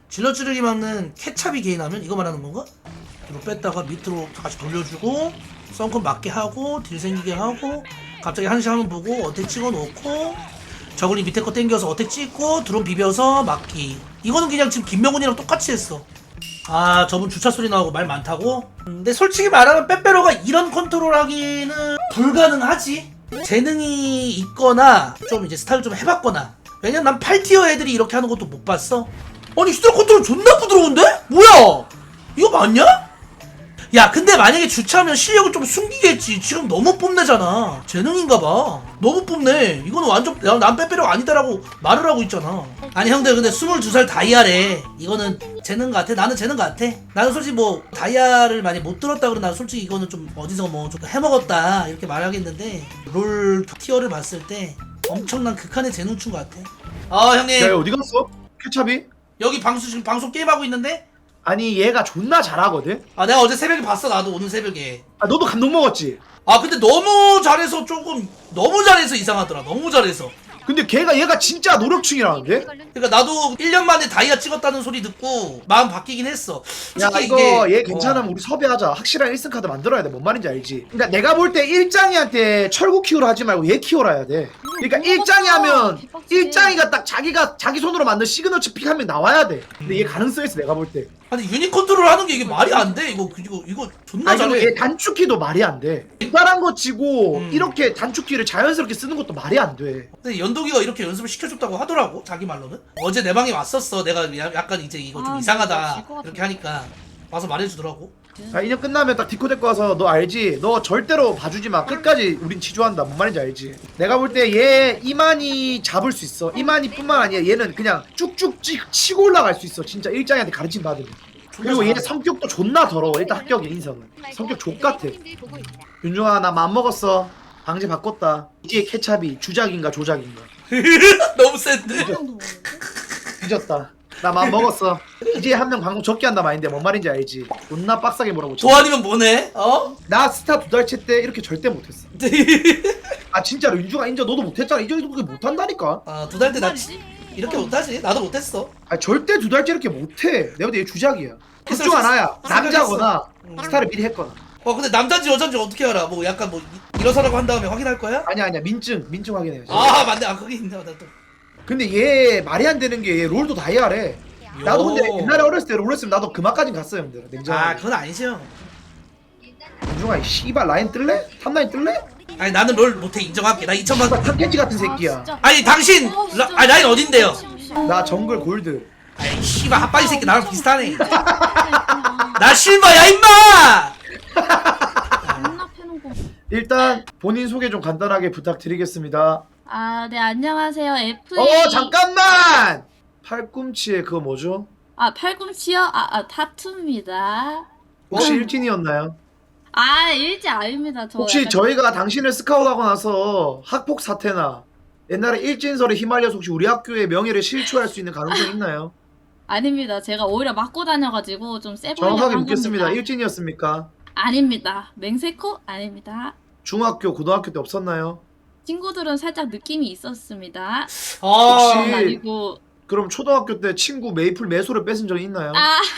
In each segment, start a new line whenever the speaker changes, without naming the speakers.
질러찌르기 막는 케찹이 개인하면 이거 말하는 건가? 뒤로 뺐다가 밑으로 다시 돌려주고 썬컨 맞게 하고 딜 생기게 하고 갑자기 한시 한번 보고 어택 찍어놓고 저글링 밑에 거 땡겨서 어택 찍고 드론 비벼서 막기. 이거는 그냥 지금 김명훈이랑 똑같이 했어. 아 저분 주차 소리 나오고 말 많다고? 근데 솔직히 말하면 빼빼로가 이런 컨트롤 하기는 불가능하지. 재능이 있거나 좀 이제 스타일 좀 해봤거나. 왜냐면 난 8티어 애들이 이렇게 하는 것도 못 봤어. 아니 스타일 컨트롤 존나 부드러운데? 뭐야 이거 맞냐? 야 근데 만약에 주차하면 실력을 좀 숨기겠지. 지금 너무 뽐내잖아. 재능인가봐. 너무 뽐내. 이거는 완전 난 빼빼로 아니다라고 말을 하고 있잖아. 아니 형들 근데 22살 다이아래. 이거는 재능 같아. 나는 재능 같아. 나는 솔직히 뭐 다이아를 많이 못 들었다 그러면 난 솔직히 이거는 좀 어디서 뭐 좀 해먹었다 이렇게 말하겠는데 롤 티어를 봤을 때 엄청난 극한의 재능충 같아. 형님
야, 어디 갔어? 케찹이?
여기 지금 방송 게임하고 있는데?
아니 얘가 존나 잘하거든?
내가 어제 새벽에 봤어. 나도 오늘 새벽에.
아 너도 감동 먹었지?
근데 너무 잘해서 조금 너무 잘해서 이상하더라. 너무 잘해서.
근데 얘가 진짜 노력충이라는데?
그러니까 나도 1년 만에 다이아 찍었다는 소리 듣고 마음 바뀌긴 했어.
야
솔직히
이거 얘 괜찮으면 우리 섭외하자. 확실한 1승 카드 만들어야 돼. 뭔 말인지 알지? 그러니까 내가 볼 때 일장이한테 철구 키우라 하지 말고 얘 키워라 해야 돼. 그러니까 일장이 하면 일장이가 딱 자기 손으로 만든 시그너처 픽 한 명 나와야 돼. 근데 얘 가능성 있어 내가 볼 때.
아니 유닛 컨트롤 하는 게 이게 말이 안 돼. 이거 존나
아니 그리고
잘해.
얘 단축키도 말이 안 돼. 대단한 거 치고
음.
이렇게 단축키를 자연스럽게 쓰는 것도 말이 안 돼.
근데 연동이가 이렇게 연습을 시켜줬다고 하더라고. 자기 말로는. 어제 내 방에 왔었어. 내가 약간 이제 이거 좀 이상하다 이렇게 하니까 와서 말해주더라고.
자, 2년 끝나면 딱 디코 데리고 와서 너 알지? 너 절대로 봐주지 마. 끝까지 우린 지조한다. 뭔 말인지 알지? 내가 볼 때 얘 이만희 잡을 수 있어. 이만희뿐만 아니라 얘는 그냥 쭉쭉 치고 올라갈 수 있어. 진짜 일장이한테 가르침 받으면. 그리고 얘 성격도 존나 더러워. 일단 합격이야 인성은. 성격 족같아. 윤중아 나 맘먹었어. 방제 바꿨다. 이제 케찹이 주작인가 조작인가.
너무 센데.
뒤졌다. 나 맘먹었어. 이제 한 명 방송 적게 한다 마인데 뭔 말인지 알지? 존나 빡세게 몰아붙여.
도안이면 뭐네?
나 스타 2달째 때 이렇게 절대 못했어. 아 진짜로 윤중아 인정 너도 못했잖아. 이 정도 그렇게 못한다니까.
2달 때 나 이렇게 못하지. 나도 못했어.
아 절대 2달째 이렇게 못해. 내가 볼 때 얘 주작이야. 둘 중 하나야. 남자거나 스타를 미리 했거나.
근데 남자인지 여자인지 어떻게 알아? 뭐 약간 뭐 일어서라고 한 다음에 확인할 거야?
아니야 민증 확인해야지.
맞네. 그게 있네. 나 또.
근데 얘 말이 안 되는 게 얘 롤도 다이아래. 나도 근데 옛날에 어렸을 때 롤 했으면 나도 그만까진 갔어 형들. 냉정하게.
그건 아니죠.
윤중아 이 씨발 라인 뜰래? 탑라인 뜰래?
아니 나는 롤 못해. 인정할게. 나 2천만.
탑캐치 같은 새끼야.
아니 당신 라인 어딘데요?
나 정글 골드.
아이 씨발 핫바지 새끼 나랑 비슷하네. 나 실버야 임마.
일단 본인 소개 좀 간단하게 부탁드리겠습니다.
네, 안녕하세요. FA.
잠깐만! 팔꿈치에 그거 뭐죠?
팔꿈치요? 타투입니다.
혹시 일진이었나요?
일지 아닙니다. 저
혹시
약간
저희가 당신을 스카우트하고 나서 학폭 사태나 옛날에 일진설에 휘말려서 혹시 우리 학교의 명예를 실추할 수 있는 가능성이 있나요?
아닙니다. 제가 오히려 맞고 다녀가지고 좀 세 보이려고
정확하게
한
묻겠습니다.
겁니다.
일진이었습니까?
아닙니다. 맹세코? 아닙니다.
중학교, 고등학교 때 없었나요?
친구들은 살짝 느낌이 있었습니다.
혹시-
아니고
그럼 초등학교 때 친구 메이플 매소를 뺏은 적이 있나요?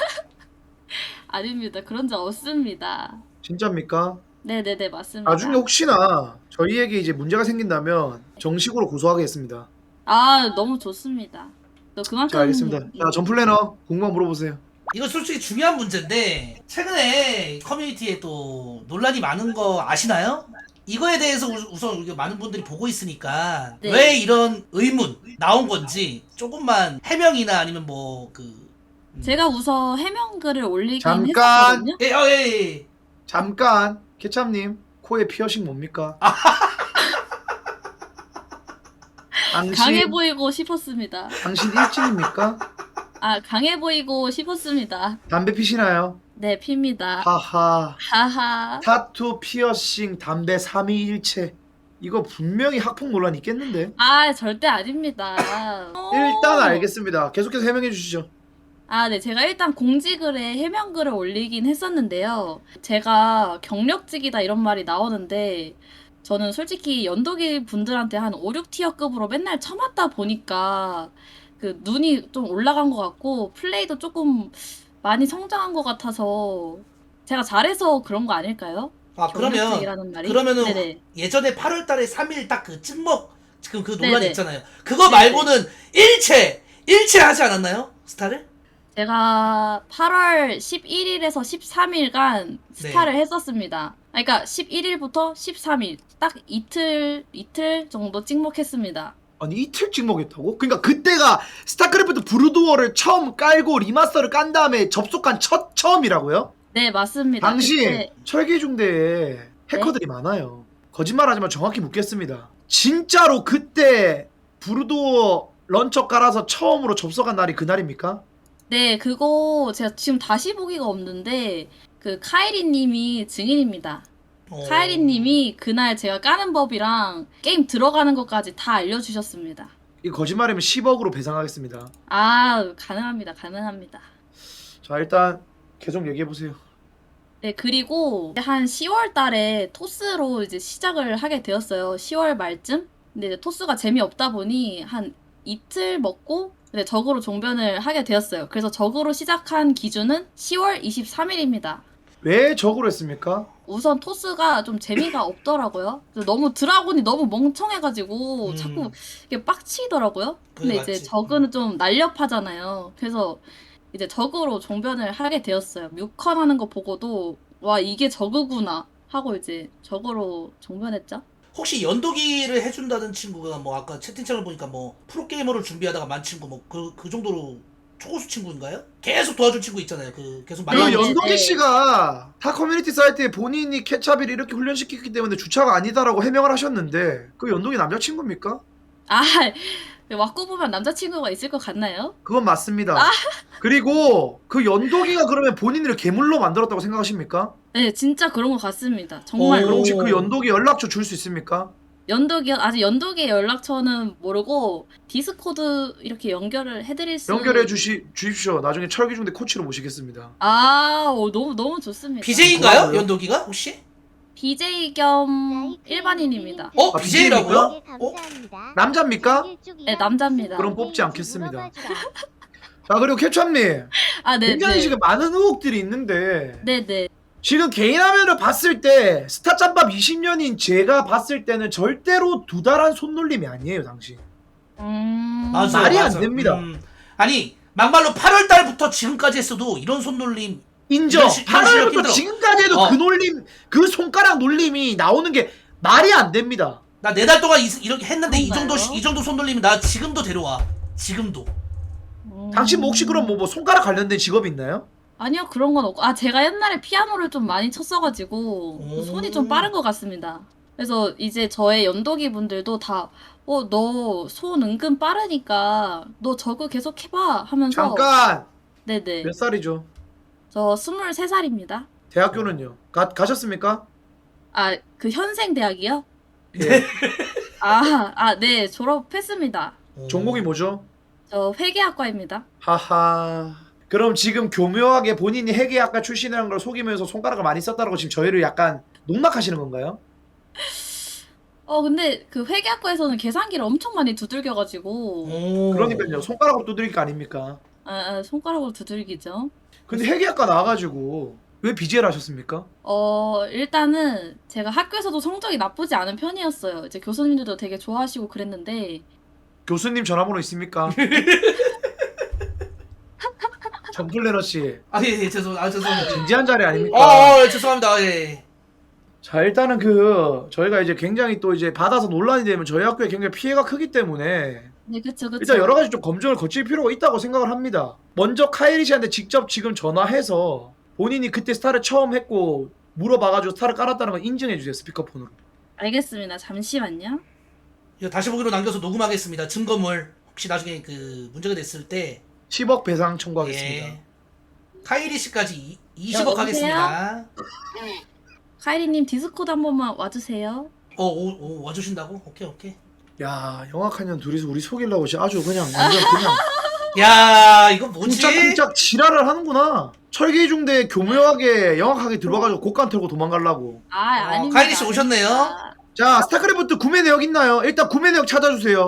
아닙니다. 그런 적 없습니다.
진짜입니까?
네네네 맞습니다.
나중에 혹시나 저희에게 이제 문제가 생긴다면 정식으로 고소하겠습니다.
너무 좋습니다. 또 그만큼
자 알겠습니다. 자 전플래너 궁금한 거 물어보세요.
이거 솔직히 중요한 문제인데 최근에 커뮤니티에 또 논란이 많은 거 아시나요? 이거에 대해서 우선 많은 분들이 보고 있으니까
네.
왜 이런 의문 나온 건지 조금만 해명이나 아니면
제가 우선 해명글을 올리긴
잠깐!
했었거든요.
예.
잠깐 케찹님 코에 피어싱 뭡니까?
강해 보이고 싶었습니다.
당신 일진입니까?
강해 보이고 싶었습니다.
담배 피시나요?
네, 핍니다.
하하
하하.
타투 피어싱 담배 3위일체 이거 분명히 학폭 논란 있겠는데?
절대 아닙니다.
일단 알겠습니다. 계속해서 해명해 주시죠.
네, 제가 일단 공지글에 해명글을 올리긴 했었는데요. 제가 경력직이다 이런 말이 나오는데 저는 솔직히 연도기 분들한테 한 5, 6티어급으로 맨날 쳐맞다 보니까 그 눈이 좀 올라간 것 같고 플레이도 조금 많이 성장한 것 같아서 제가 잘해서 그런 거 아닐까요?
아
경력직이라는 말이?
그러면은
네네.
예전에 8월달에 3일 딱 그 찍먹 지금 그 논란
네네.
있잖아요. 그거
네네.
말고는 일체 하지 않았나요? 스타를?
제가 8월 11일에서 13일간 스타를 했었습니다. 그러니까 11일부터 13일 딱 이틀 정도 찍먹했습니다.
아니 이틀 찍먹했다고? 그러니까 그때가 스타크래프트 브루드워를 처음 깔고 리마스터를 깐 다음에 접속한 처음이라고요?
네, 맞습니다.
당시
그때
철기중대에 해커들이 많아요. 거짓말하지만 정확히 묻겠습니다. 진짜로 그때 브루드워 런처 깔아서 처음으로 접속한 날이 그날입니까?
네, 그거 제가 지금 다시 보기가 없는데 그 카이리 님이 증인입니다. 카이리 님이 그날 제가 까는 법이랑 게임 들어가는 것까지 다 알려주셨습니다.
이 거짓말이면 10억으로 배상하겠습니다.
아, 가능합니다. 가능합니다.
자 일단 계속 얘기해보세요.
네, 그리고 한 10월 달에 토스로 이제 시작을 하게 되었어요. 10월 말쯤? 근데 이제 토스가 재미없다 보니 한 이틀 먹고 네, 적으로 종변을 하게 되었어요. 그래서 적으로 시작한 기준은 10월 23일입니다.
왜 적으로 했습니까?
우선 토스가 좀 재미가 없더라고요. 그래서 너무 드라곤이 너무 멍청해가지고 자꾸 이게 빡치더라고요. 근데
그게
이제
맞지.
저그는 좀 날렵하잖아요. 그래서 이제 저그로 종변을 하게 되었어요. 뮤컨 하는 거 보고도 와 이게 저그구나 하고 이제 저그로 종변했죠.
혹시 연도기를 해준다는 친구가 뭐 아까 채팅창을 보니까 뭐 프로게이머를 준비하다가 만 친구 뭐 그 정도로 초고수 친구인가요? 계속 도와준 친구 있잖아요. 그 계속
그
네, 네,
연동기
네.
씨가 타 커뮤니티 사이트에 본인이 케찹이를 이렇게 훈련시켰기 때문에 주차가 아니다라고 해명을 하셨는데 그 연동이 남자친구입니까?
아 왁구 보면 남자친구가 있을 것 같나요?
그건 맞습니다. 그리고 그 연동이가 그러면 본인을 괴물로 만들었다고 생각하십니까?
네, 진짜 그런 것 같습니다. 정말
그럼 혹시
오.
그 연동이 연락처 줄 수 있습니까?
연독이 아직 연독의 연락처는 모르고 디스코드 이렇게 연결을 해드릴 수
연결해 주십시오. 나중에 철기중대 코치로 모시겠습니다.
너무 좋습니다.
BJ인가요?
고마워요.
연도기가 혹시?
BJ 겸 일반인입니다.
어?
아,
BJ라고요? 어?
남자입니까?
네, 남자입니다.
그럼 뽑지 않겠습니다. 자 그리고 케찹님
아, 네,
굉장히
네.
지금 많은 의혹들이 있는데
네, 네.
지금 개인 화면을 봤을 때 스타짬밥 20년인 제가 봤을 때는 절대로 두달한 손놀림이 아니에요 당신.
맞아,
말이 안
맞아.
됩니다.
아니 막말로 8월달부터 지금까지 했어도 이런 손놀림
인정.
이런 실력
8월부터
힘들어.
지금까지 해도
어.
그 놀림 그 손가락 놀림이 나오는 게 말이 안 됩니다.
나 4달 동안 이렇게 했는데
그런가요?
이 정도 손놀림이 나 지금도 데려와. 지금도.
당신 뭐 혹시 그럼 뭐 손가락 관련된 직업이 있나요?
아니요, 그런 건 없고. 아, 제가 옛날에 피아노를 좀 많이 쳤어가지고
오.
손이 좀 빠른 것 같습니다. 그래서 이제 저의 연독이 분들도 다 너 손 은근 빠르니까 너 저거 계속 해봐 하면서
잠깐
네네.
몇 살이죠?
저 23살입니다.
대학교는요? 가셨습니까?
아, 그 현생 대학이요?
예.
네, 졸업했습니다.
전공이 뭐죠?
저 회계학과입니다.
하하. 그럼 지금 교묘하게 본인이 회계학과 출신이라는 걸 속이면서 손가락을 많이 썼다고 지금 저희를 약간 농락하시는 건가요?
근데 그 회계학과에서는 계산기를 엄청 많이 두들겨가지고
오.
그러니까요. 손가락으로 두드릴 거 아닙니까?
손가락으로 두들기죠.
근데 회계학과 나와가지고 왜 BJ를 하셨습니까?
일단은 제가 학교에서도 성적이 나쁘지 않은 편이었어요. 이제 교수님들도 되게 좋아하시고 그랬는데
교수님 전화번호 있습니까? 정플래너 씨
예, 죄송합니다.
진지한 자리 아닙니까?
죄송합니다. 예.
자 일단은 저희가 이제 굉장히 또 이제 받아서 논란이 되면 저희 학교에 굉장히 피해가 크기 때문에
네, 그쵸.
일단 여러 가지 좀 검증을 거칠 필요가 있다고 생각을 합니다. 먼저 카이리 씨한테 직접 지금 전화해서 본인이 그때 스타를 처음 했고 물어봐가지고 스타를 깔았다는 걸 인증해 주세요 스피커폰으로.
알겠습니다. 잠시만요.
이거 다시 보기로 남겨서 녹음하겠습니다. 증거물 혹시 나중에 그 문제가 됐을 때
10억 배상 청구하겠습니다.
예. 카이리 씨까지 20억
여보세요?
하겠습니다.
카이리님 디스코드 한 번만 와주세요.
와주신다고? 오케이.
야 영악한 년 둘이서 우리 속이려고 진짜 아주 그냥 완전 그냥
야 이거 뭐지?
쿵짝쿵짝 지랄을 하는구나. 철기중대 교묘하게 영악하게 들어가가지고 곡간 털고 도망가려고.
아닙니다.
카이리 씨 오셨네요.
아닙니다.
자 스타크래프트 구매 내역 있나요? 일단 구매 내역 찾아주세요.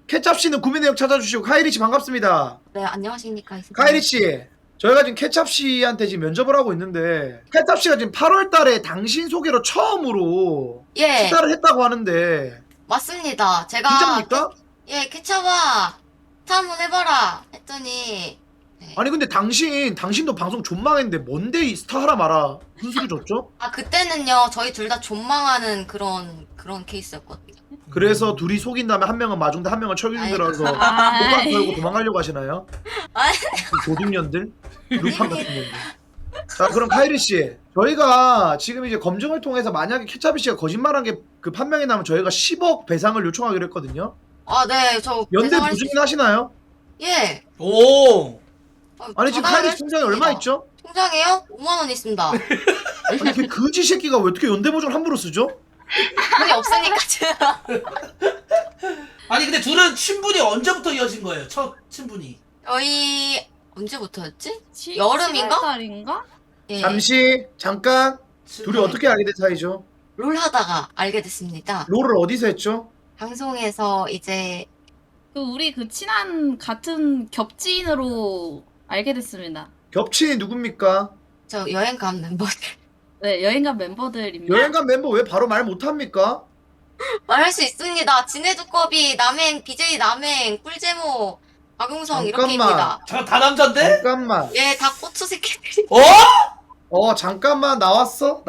케찹 씨는 구매 내역 찾아주시고 카이리 씨 반갑습니다.
네, 안녕하십니까.
카이리 씨, 저희가 지금 케찹 씨한테 지금 면접을 하고 있는데 케찹 씨가 지금 8월 달에 당신 소개로 처음으로
예,
시사를 했다고 하는데
맞습니다. 제가
진짜입니까?
케찹아, 스타 한번 해봐라 했더니
아니 근데 당신도 방송 존망했는데 뭔데 이 스타 하라 마라 무슨 소리 줬죠?
그때는요 저희 둘 다 존망하는 그런 케이스였거든요.
그래서 둘이 속인 다음에 한 명은 마중대 한 명은 철기중대라서
아이.
호감 걸고 도망가려고 하시나요?
아니.
도둑년들? 루팡 같은 년들. 자 그럼 카이리 씨, 저희가 지금 이제 검증을 통해서 만약에 케찹이 씨가 거짓말한 게 그 판명이 나면 저희가 10억 배상을 요청하기로 했거든요.
네, 저
연대
배상할
부주민
수
하시나요?
예.
오.
아니 지금 카이리 씨 통장에 얼마 있죠?
통장에요? 5만 원 있습니다.
아니 그 거지 새끼가 왜 어떻게 연대 보증을 함부로 쓰죠?
돈이 없으니까 제가.
아니 근데 둘은 친분이 언제부터 이어진 거예요? 첫 친분이.
저희 언제부터였지? 여름인가?
7월달인가?
예.
잠시 잠깐 둘이 어떻게 알게 된 사이죠?
롤 하다가 알게 됐습니다.
롤을 어디서 했죠?
방송에서 이제
우리 친한 같은 겹지인으로 알게 됐습니다.
겹친이 누굽니까?
저 여행 간 멤버들
네, 여행간 멤버들입니다.
여행간 멤버 왜 바로 말 못합니까?
말할 수 있습니다. 진해두꺼비, 남행, BJ 남행, 꿀제모, 박용성 이렇게입니다.
잠깐 다 남잔데?
잠깐만.
예, 다 고추 새끼들이.
잠깐만 나왔어?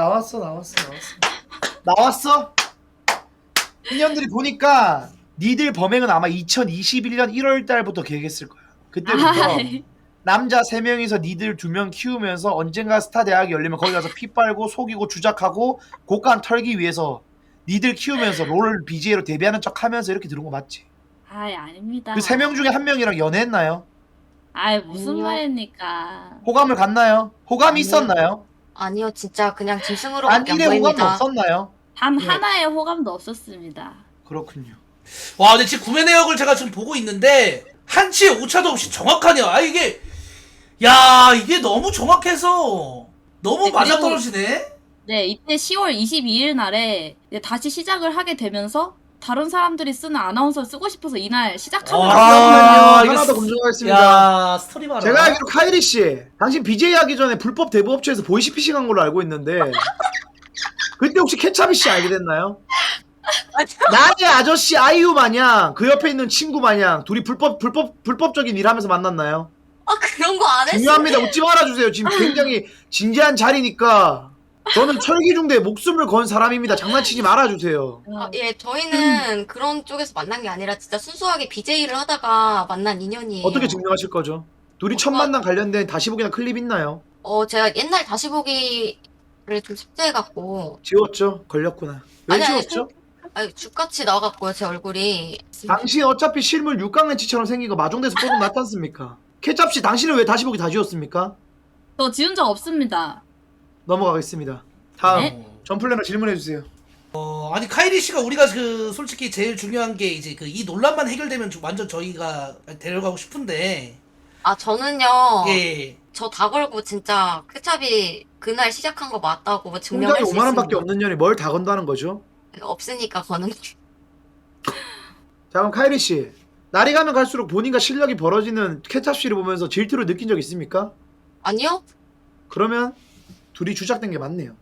나왔어? 인연들이 보니까 니들 범행은 아마 2021년 1월 달부터 계획했을 거야. 그때부터
아이.
남자 3명이서 니들 2명 키우면서 언젠가 스타 대학이 열리면 거기 가서 피 빨고 속이고 주작하고 곡간 털기 위해서 니들 키우면서 롤 BJ로 데뷔하는 척 하면서 이렇게 들은 거 맞지?
아닙니다.
그 3명 중에 1명이랑 연애했나요?
무슨
아니요.
말입니까?
호감을 갖나요? 호감이
아니요.
있었나요?
아니요, 진짜 그냥 짐승으로밖에 안
안일의 호감도
보입니다.
없었나요?
단
네.
하나의 호감도 없었습니다.
그렇군요.
와 근데 지금 구매 내역을 제가 지금 보고 있는데 한치의 오차도 없이 정확하네요. 이게 너무 정확해서 너무
네,
맞아떨어지네.
네, 이때 10월 22일 날에 이제 다시 시작을 하게 되면서 다른 사람들이 쓰는 아나운서를 쓰고 싶어서 이날 시작하는
잠깐만요.
이거
하나 더 검증하겠습니다.
야 스토리 봐라.
제가 알기로 카이리 씨, 당신 BJ 하기 전에 불법 대부업체에서 보이시피싱 한 걸로 알고 있는데 그때 혹시 케찹이 씨 알게 됐나요? 나의 아저씨 아이유 마냥 그 옆에 있는 친구 마냥 둘이 불법적인 일 하면서 만났나요?
그런 거 안 했어요.
중요합니다. 웃지 말아주세요. 지금 굉장히 진지한 자리니까 저는 철기중대에 목숨을 건 사람입니다. 장난치지 말아주세요.
예, 저희는 그런 쪽에서 만난 게 아니라 진짜 순수하게 BJ를 하다가 만난 인연이에요.
어떻게 증명하실 거죠? 둘이 첫 만남 관련된 다시 보기나 클립 있나요?
제가 옛날 다시 보기를 좀 삭제해갖고.
지웠죠? 걸렸구나. 왜
아니,
지웠죠?
죽같이 나와갖고요, 제 얼굴이.
당신 어차피 실물 육강렌치처럼 생긴 거 마중대에서 뽀금 났지 않습니까? 케찹씨 당신은 왜 다시 보기 다 지웠습니까?
저 지운 적 없습니다.
넘어가겠습니다. 다음
네?
전플래너 질문해주세요.
아니 카이리 씨가 우리가 솔직히 제일 중요한 게 이제 이 논란만 해결되면 완전 저희가 데려가고 싶은데.
저는요.
예.
저 다 걸고 진짜 케찹이 그날 시작한 거 맞다고
통장에
증명할 수
5만 원밖에
있습니다.
없는 년이 뭘 다 건다는 거죠?
없으니까 거는.
자 그럼 카이리 씨, 날이 가면 갈수록 본인과 실력이 벌어지는 케찹 씨를 보면서 질투를 느낀 적 있습니까?
아니요?
그러면 둘이 주작된 게 맞네요.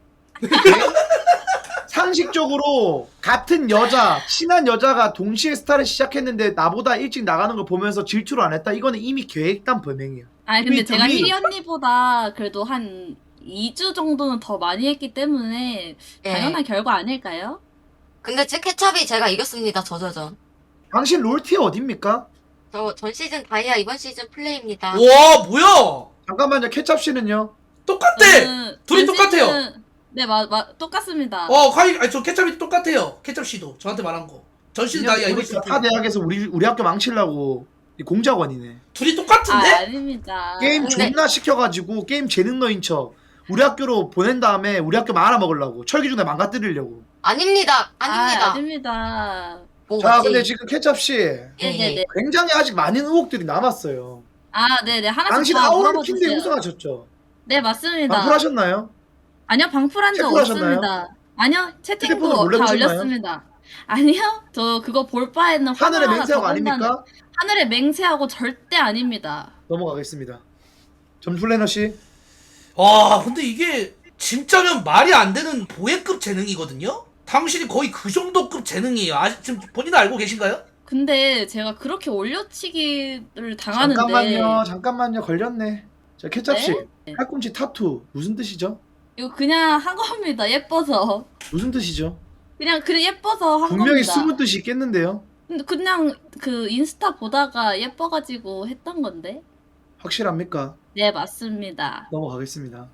상식적으로 같은 여자, 친한 여자가 동시에 스타를 시작했는데 나보다 일찍 나가는 걸 보면서 질투를 안 했다? 이거는 이미 계획단 범행이야.
근데 제가
둘이-
희리 언니보다 그래도 한 2주 정도는 더 많이 했기 때문에
예.
당연한 결과 아닐까요?
근데 제 케찹이 제가 이겼습니다, 저저전.
당신 롤티어 어딥니까?
저 전 시즌 다이아, 이번 시즌 플레이입니다.
와 뭐야?
잠깐만요. 케찹 씨는요?
똑같대.
저는
둘이
전
똑같아요.
시즌- 네, 똑같습니다.
저 케찹이 똑같아요. 케찹 씨도 저한테 말한 거. 전신 다이아 이거
타 대학에서 우리 학교 망치려고 이 공작원이네.
둘이 똑같은데?
아닙니다.
게임
근데-
존나 시켜가지고 게임 재능너인 척 우리 학교로 보낸 다음에 우리 학교 말아먹으려고 철기중대 망가뜨리려고.
아닙니다. 아닙니다.
아닙니다.
뭐
자
맞지?
근데 지금 케찹 씨
네네네.
굉장히 아직 많은 의혹들이 남았어요.
네네. 하나씩
당신
다
아우르킨대
물어봐주세요.
우승하셨죠?
네, 맞습니다.
방풀하셨나요?
아니요, 방풀한 적
체포하셨나요?
없습니다. 아니요,
휴대폰으로
채팅도
몰래
다
보셨나요?
올렸습니다. 아니요. 저 그거 볼 바에는
하늘의
화나
맹세하고
더 본다는-
아닙니까?
하늘의 맹세하고 절대 아닙니다.
넘어가겠습니다. 점플래너 씨.
와 근데 이게 진짜면 말이 안 되는 보혜급 재능이거든요? 당신이 거의 그 정도급 재능이에요. 아직 지금 본인 알고 계신가요?
근데 제가 그렇게 올려치기를 당하는데
잠깐만요. 걸렸네. 자, 케찹 씨.
네?
팔꿈치 타투 무슨 뜻이죠?
이거 그냥 한 겁니다. 예뻐서.
무슨 뜻이죠?
그냥 그래 예뻐서 한
분명히
겁니다.
숨은 뜻이 있겠는데요.
근데 그냥 그 인스타 보다가 예뻐가지고 했던 건데.
확실합니까?
네 맞습니다.
넘어가겠습니다.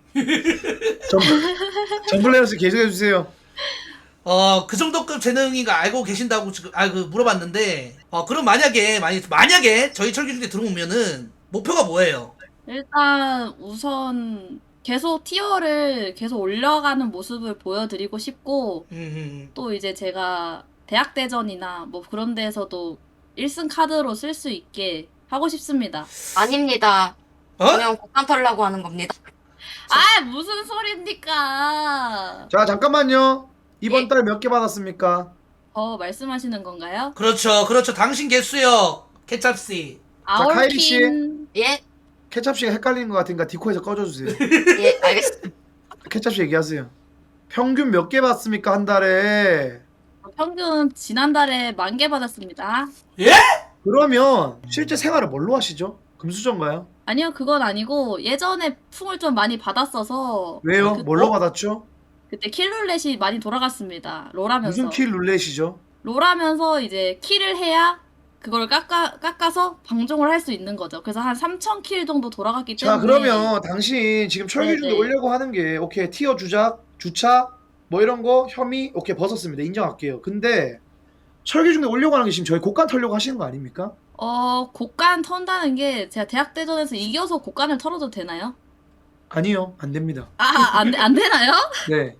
점플래너 씨 계속해 주세요.
그 정도급 재능이가 알고 계신다고 지금 물어봤는데 그럼 만약에 저희 철기중대 들어오면은 목표가 뭐예요?
일단 우선 계속 티어를 계속 올려가는 모습을 보여드리고 싶고 또 이제 제가 대학대전이나 뭐 그런 데에서도 1승 카드로 쓸 수 있게 하고 싶습니다.
아닙니다.
어?
그냥 곡간 털라고 하는 겁니다.
아 무슨 소리입니까?
자, 잠깐만요. 이번
예.
달 몇 개 받았습니까?
말씀하시는 건가요?
그렇죠. 당신 개수요, 케찹씨.
카이리 씨.
아울킨
예?
케찹 씨가 헷갈리는 것 같으니까 디코에서 꺼줘주세요.
예, 알겠습니다.
케찹 씨 얘기하세요. 평균 몇 개 받습니까 한 달에?
평균 지난달에 10,000개 받았습니다.
그러면 실제 생활을 뭘로 하시죠? 금수저인가요?
아니요 그건 아니고 예전에 풍을 좀 많이 받았어서
왜요? 뭘로 받았죠?
그때 킬룰렛이 많이 돌아갔습니다. 롤하면서
무슨 킬 룰렛이죠?
롤하면서 이제 킬을 해야 그걸 깎아서 방종을 할 수 있는 거죠. 그래서 한 3,000킬 정도 돌아갔기
자,
때문에
그러면 당신 지금 철기중대
네네.
오려고 하는 게 오케이 티어 주차 뭐 이런 거 혐의 오케이 벗었습니다. 인정할게요. 근데 철기중대 오려고 하는 게 지금 저희 곡간 털려고 하시는 거 아닙니까?
곡간 턴다는 게 제가 대학대전에서 이겨서 곡간을 털어도 되나요?
아니요, 안 됩니다.
안 되나요?
네.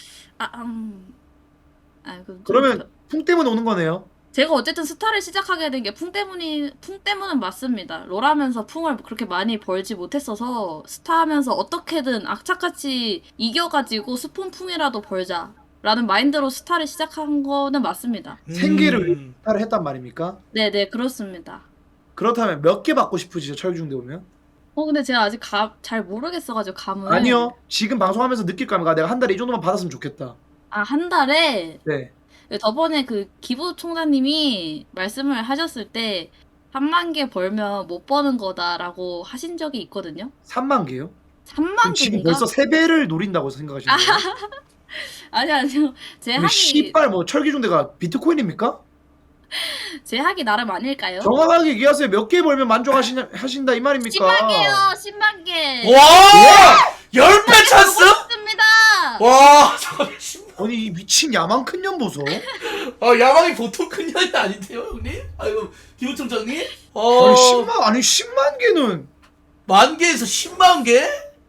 그럼
그러면 풍 때문에 오는 거네요.
제가 어쨌든 스타를 시작하게 된 게 풍 때문은 맞습니다. 롤하면서 풍을 그렇게 많이 벌지 못했어서 스타하면서 어떻게든 악착같이 이겨가지고 스폰 풍이라도 벌자라는 마인드로 스타를 시작한 거는 맞습니다.
생계를 스타를 했단 말입니까?
네네 그렇습니다.
그렇다면 몇 개 받고 싶으시죠? 철기중대 오면?
근데 제가 아직 잘 모르겠어가지고 감을
아니요. 지금 방송하면서 느낄 겁니다. 내가 한 달에 이 정도만 받았으면 좋겠다.
한 달에
네.
저번에 그 기부 총장님이 말씀을 하셨을 때 30,000개 벌면 못 버는 거다라고 하신 적이 있거든요.
3만 개요?
3만
지금
개인가?
벌써 3배를 노린다고 생각하시는 거예요?
아니요. 제
우리
학이
씨발 뭐 철기중대가 비트코인입니까?
제 학이 나름 아닐까요?
정확하게 얘기하세요. 몇 개 벌면 만족하신다 이 말입니까?
10만 개요. 10만 개.
와! 10배 찬스?
습니다.
와, 잠깐만,
아니 이 미친 야망 큰 년 보소.
야망이 보통 큰 년이 아닌데요, 형님? 아이고, 기부총장님?
아니 10만 개는
10,000개에서 10만 개?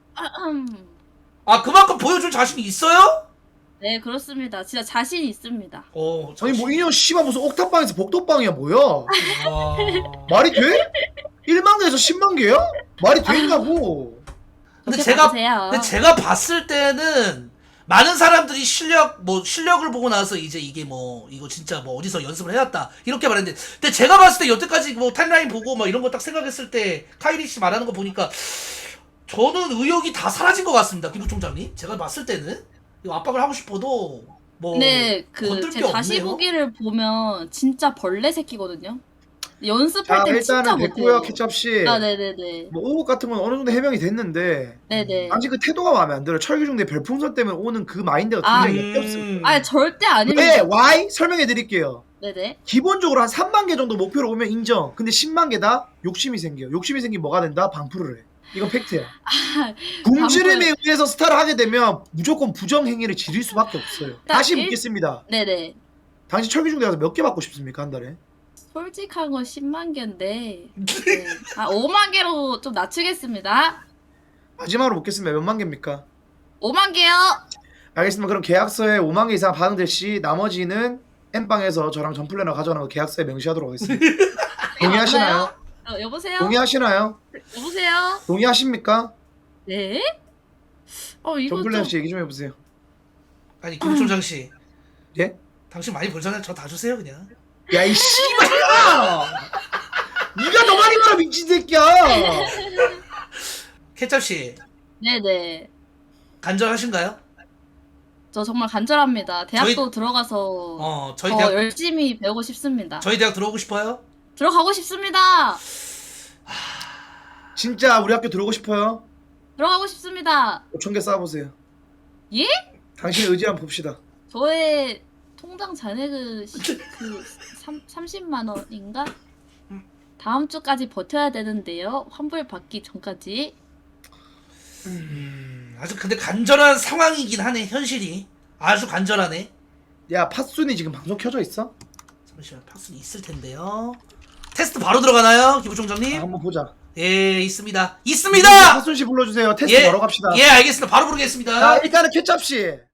그만큼 보여줄 자신이 있어요?
네, 그렇습니다. 진짜 자신 있습니다.
아니 뭐 이년 씨발 무슨 옥탑방에서 복도방이야 뭐야?
와.
말이 돼? 1만 개에서 10만 개야? 말이 되냐고.
근데
그렇게 봐주세요.
제가 봤을 때는 많은 사람들이 실력을 보고 나서 이제 이게 이거 진짜 어디서 연습을 해왔다 이렇게 말했는데, 근데 제가 봤을 때 여태까지 타임라인 보고 이런 거 딱 생각했을 때 카이리 씨 말하는 거 보니까 저는 의욕이 다 사라진 것 같습니다, 기부총장님. 제가 봤을 때는 이거 압박을 하고 싶어도
네,
건들
제
게
다시
없네요.
보기를 보면 진짜 벌레 새끼거든요. 연습할
자
때 진짜
일단은
못해요.
됐고요 케찹 씨.
네네네.
뭐 오목 같은 건 어느 정도 해명이 됐는데
네네.
아직 그 태도가 마음에 안 들어요. 철기중대 별풍선 때문에 오는 그 마인드가 굉장히 역겹습니다.
절대 아닙니다.
왜? Why? 설명해 드릴게요.
네네.
기본적으로 한 3만 개 정도 목표로 오면 인정. 근데 10만 개다 욕심이 생겨요. 욕심이 생기면 뭐가 된다? 방풀을 해. 이건 팩트야. 굶주림에 의해서 스타를 하게 되면 무조건 부정행위를 지릴 수밖에 없어요. 다시 묻겠습니다.
네네.
당신 철기중대 가서 몇 개 받고 싶습니까 한 달에?
솔직한 건 10만 개인데 5만 개로 좀 낮추겠습니다.
마지막으로 묻겠습니다. 몇만 개입니까?
5만 개요.
알겠습니다. 그럼 계약서에 5만 개 이상 반응될 시 나머지는 엠빵에서 저랑 전플래너 가져가는 거 계약서에 명시하도록 하겠습니다. 동의하시나요?
여보세요?
동의하시나요?
여보세요?
동의하십니까?
네? 이거
전플래너
좀
씨 얘기 좀 해보세요.
아니, 기부총장 씨.
예?
당신 많이 벌잖아요. 저 다 주세요 그냥.
야 이 씨발아! 네가 더 많이 벌어 미친 새끼야!
케찹 씨
네네.
간절하신가요?
저 정말 간절합니다. 대학도 들어가서
저희
더
대학
열심히 배우고 싶습니다.
저희 대학 들어오고 싶어요?
들어가고 싶습니다.
진짜 우리 학교 들어오고 싶어요?
들어가고 싶습니다.
5,000개 쌓아보세요.
예?
당신의 의지 한번 봅시다.
저의 통장 잔액은 30만 원인가? 다음 주까지 버텨야 되는데요. 환불 받기 전까지.
아주 근데 간절한 상황이긴 하네. 현실이 아주 간절하네.
야 팥순이 지금 방송 켜져 있어?
잠시만 팍순이 있을 텐데요. 테스트 바로 들어가나요, 기부총장님?
한번 보자.
예, 있습니다. 있습니다.
팥순 씨 불러주세요. 테스트
예,
바로 갑시다.
예, 알겠습니다. 바로 부르겠습니다.
자 일단은 케찹 씨.